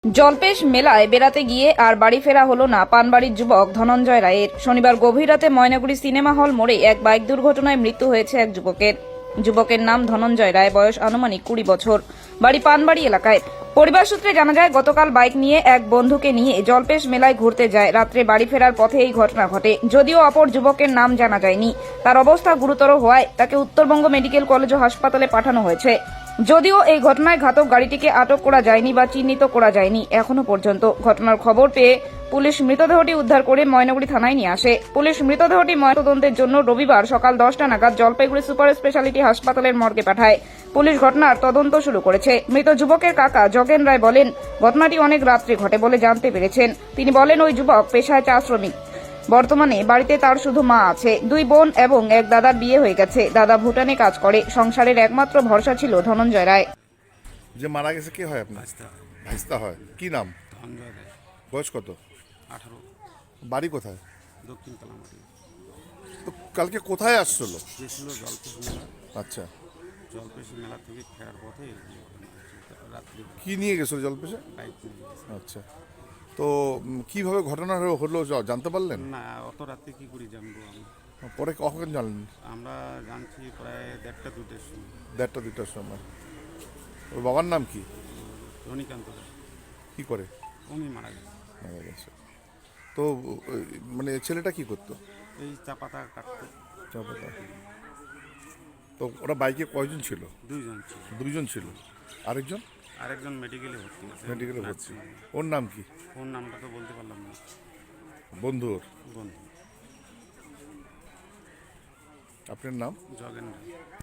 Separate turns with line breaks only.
জলপেশ মেলায় বেড়াতে গিয়ে আর বাড়ি ফেরা হলো না পানবাড়ির যুবক ধনঞ্জয় রায়ের। শনিবার গভীর রাতে ময়নাগুড়ি সিনেমা হল মোড়ে এক বাইক দুর্ঘটনায় মৃত্যু হয়েছে এক যুবকের নাম ধনঞ্জয় রায়, বয়স আনুমানিক 20 বছর, বাড়ি পানবাড়ি এলাকায়। পরিবার সূত্রে জানা যায়, গতকাল বাইক নিয়ে এক বন্ধুকে নিয়ে জলপেশ মেলায় ঘুরতে যায়। রাত্রে বাড়ি ফেরার পথে এই ঘটনা ঘটে। যদিও অপর যুবকের নাম জানা যায়নি। তার অবস্থা গুরুতর হওয়ায় তাকে উত্তরবঙ্গ মেডিকেল কলেজ ও হাসপাতালে পাঠানো হয়েছে। যদিও এই ঘটনায় ঘাতক গাড়িটিকে আটক করা যায়নি বা চিহ্নিত করা যায়নি এখনো পর্যন্ত। ঘটনার খবর পেয়ে পুলিশ মৃতদেহটি উদ্ধার করে ময়নাগুড়ি থানায় নিয়ে আসে। পুলিশ মৃতদেহটি ময়নাতদন্তের জন্য রবিবার সকাল 10টা নাগাদ জলপাইগুড়ি সুপার স্পেশালিটি হাসপাতালের মর্গে পাঠায়। পুলিশ ঘটনার তদন্ত শুরু করেছে। মৃত যুবকের কাকা জগেন রায় বলেন, ঘটনাটি অনেক রাত্রে ঘটে বলে জানতে পেরেছেন। তিনি বলেন, ওই যুবক পেশায় চা শ্রমিক। বর্তমানে বাড়িতে তার শুধু মা আছে। 2 বোন এবং এক দাদার বিয়ে হয়ে গেছে। দাদা ভুটানে কাজ করে। সংসারের একমাত্র ভরসা ছিল ধনঞ্জয় রায়।
যে মারা গেছে কে হয় আপনার? ভাইস্তা হয়। কি নাম?
ধনঞ্জয় রায়,
বয়স কত?
18,
বাড়ি কোথায়?
দক্ষিণ কালামাটি।
তো কালকে কোথায় আসছিল?
গেছিল জলপেশ মেলা।
আচ্ছা,
জলপেশ মেলা থেকে ফেরার পথে এই ঘটনা হয়েছে। রাত্রি
কি নিয়ে গেছিল জলপেশে?
বাইক নিয়ে গেছে।
আচ্ছা, তো কিভাবে ঘটনা হলো জানতে পারলেন?
না, অত রাত্রে কী করে জানবো আমি?
পরে কখন জানলেন?
আমরা জানছি প্রায় 1:30-2টার সময়।
1:30-2টার সময়। ওর বাবার নাম কি?
রনিকান্ত রায়,
কি করে
উনি মারা গেছে।
মারা গেছে? তো মানে ছেলেটা কি করতো?
এই চা পাতা কাটতো।
চা পাতা। তো ওরা বাইকে কয়জন ছিল?
2 জন ছিল।
2জন ছিল। আরেকজন
আরেকজন মেডিকেলে ভর্তি আছে।
মেডিকেলে ভর্তি।
নার্সিং।
ওর নাম কি?
ওর নামটা তো বলতে পারলাম না।
বন্ধু ওর?
বন্ধু
আপনার নাম?
জগেন রায়।